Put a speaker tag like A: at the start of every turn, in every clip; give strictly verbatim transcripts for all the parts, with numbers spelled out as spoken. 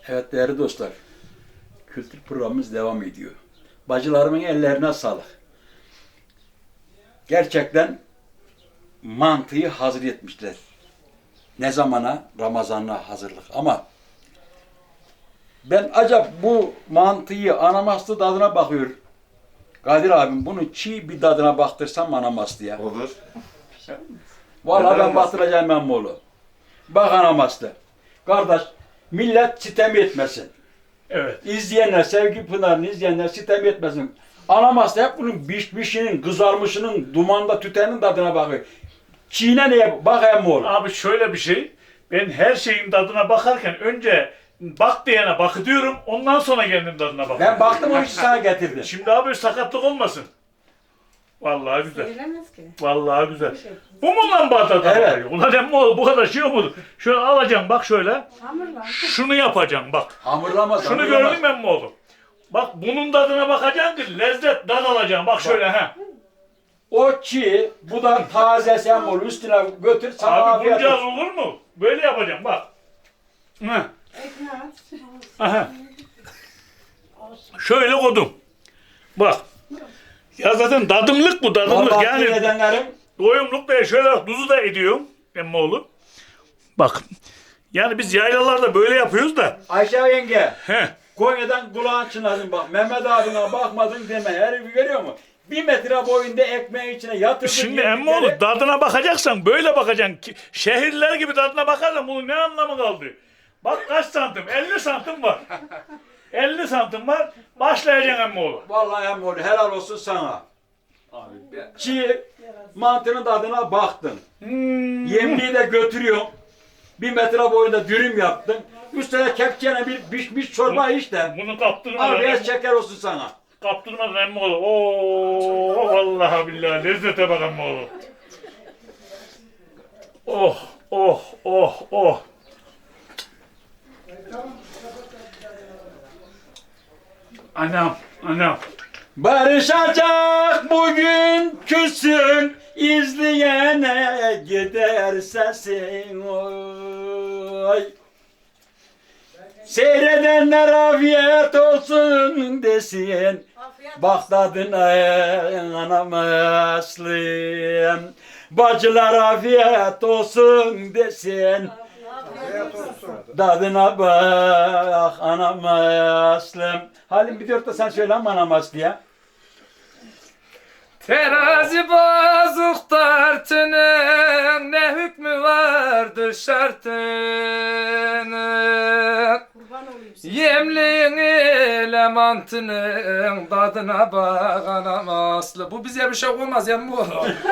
A: Evet değerli dostlar, kültür programımız devam ediyor. Bacılarımın ellerine sağlık. Gerçekten mantıyı hazır etmişler. Ne zamana? Ramazan'a hazırlık. Ama ben acaba bu mantıyı anamaslı tadına bakıyor. Kadir abim bunu çiğ bir tadına baktırsam anamaslıya.
B: Olur.
A: Vallahi
B: Neden
A: ben baktıracağım Emmoğlu. Bak anamaslı. Kardeş, millet sitem etmesin.
C: Evet.
A: İzleyenler, Sevgi Pınar'ını izleyenler sitem etmesin. Anamaslı hep bunun pişmişinin, kızarmışının, dumanda tütenin tadına bakıyor. Çiğne neye? Bak Emmoğlu.
C: Abi şöyle bir şey. Ben her şeyin tadına bakarken önce bak diyene bak diyorum. Ondan sonra kendim tadına bakıyorum.
A: Ben baktım o işi sana getirdim.
C: Şimdi abi sakatlık olmasın. Vallahi güzel.
D: Söylemez ki.
C: Vallahi güzel. Bu mu lan bu tadına
A: Evet.
C: bakıyor? Ulan emmi oğlu bu kadar şey olmadı. Şöyle alacaksın bak şöyle.
D: Hamurla.
C: Şunu yapacaksın bak.
A: Hamurlamaz,
C: Şunu
A: hamurlamaz.
C: gördün mü emmi oğlu? Bak bunun tadına bakacaksın ki lezzet tad alacaksın. Bak şöyle ha.
A: O çiğ, bu da taze Emmoğlu üstüne götür sana
C: Abi
A: afiyet
C: bunca
A: olsun.
C: olur mu? Böyle yapacağım bak. Hı.
D: Ekmeği at.
C: Aha. Şöyle koydum. Bak. Ya zaten tadımlık bu tadımlık
A: Vallahi
C: yani.
A: edenlerim
C: Doyumluk da şöyle tuzu da ediyorum. Emmoğlu. Bak. Yani biz yaylalarda böyle yapıyoruz da.
A: Ayşe yenge,
C: He.
A: Konya'dan kulağın çınladın bak. Mehmet abine bakmadın deme. Herifi görüyor musun? Bir metre boyunda ekmeğin içine yatırdın.
C: Şimdi
A: yedikleri-
C: emmoğlu tadına bakacaksan böyle bakacaksın. Ki- Şehirler gibi tadına bakarsan bunun ne anlamı kaldı? Bak kaç santim? elli santim var. elli santim var. Başlayacaksın emmoğlu.
A: Vallahi Emmoğlu helal olsun sana. Çiğ mantının tadına baktın.
C: Hmm.
A: Yemliği de götürüyorsun. Bir metre boyunda dürüm yaptın. Üstüne kepçene bir pişmiş çorba iç de.
C: Bunu kaptırmadan,
A: Afiyet şeker olsun sana.
C: kaptırmadan emmoğlu. Oo, vallahi billahi lezzete bak emmoğlu. Oh, oh, oh, oh. Anam, anam.
A: Barışacak bugün küsün, izleyene gider sesin oy. Seyredenler afiyet olsun desin. Bak tadına anam aslım. Bacılar afiyet olsun desin. Tadına bak anam aslım. Halim bir dört de sen söyle ama anam aslıya.
E: Terazi bozuk tartının ne hükmü vardır şartının.
D: Kurban olayım size.
E: Yemliğin ile mantının tadına bak anam aslı. Bu bize bir şey olmaz ya bu.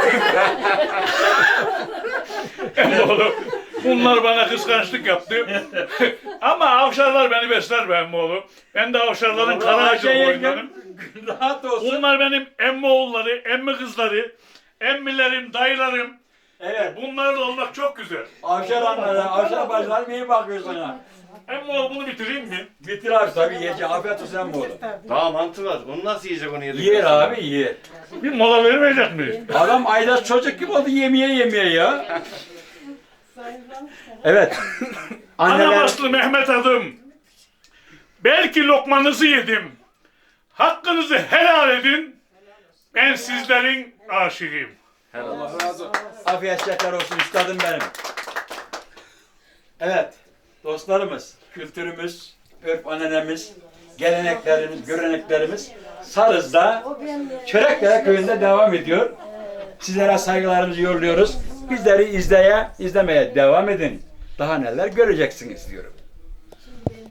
C: Emmoğlu. Bunlar bana kıskançlık yaptı. Ama avşarlar beni besler be emmoğlu. Ben de avşarların kara ağacı boyunlarım.
A: Rahat olsun.
C: Bunlar benim emmi oğulları, emmi kızları, emmilerim, dayılarım.
A: Evet.
C: Bunlarla olmak çok güzel.
A: Avşar anlara, avşar bacılar iyi bakıyor sana.
C: Emmi oğlu bunu bitireyim mi?
A: Bitir abi tabii yiyecek. Afiyet olsun hem oğlum.
B: Daha mantı var. Onu nasıl yiyecek onu yedik?
A: Yer abi yer.
C: Bir mola vermeyecek miyiz?
A: Adam aydaş çocuk gibi oldu yemeye yemeye ya. Evet.
C: Anam
A: Anneler
C: aslı Mehmet adım. Belki lokmanızı yedim. Hakkınızı helal edin. Ben sizlerin aşığıyım.
A: afiyet şeker olsun üstadım benim. Evet. Dostlarımız, kültürümüz, örf annelerimiz, geleneklerimiz, göreneklerimiz Sarız'da Çörekdere köyünde devam ediyor. Sizlere saygılarımızı yolluyoruz. Bizleri izleye, izlemeye devam edin. Daha neler göreceksiniz diyorum.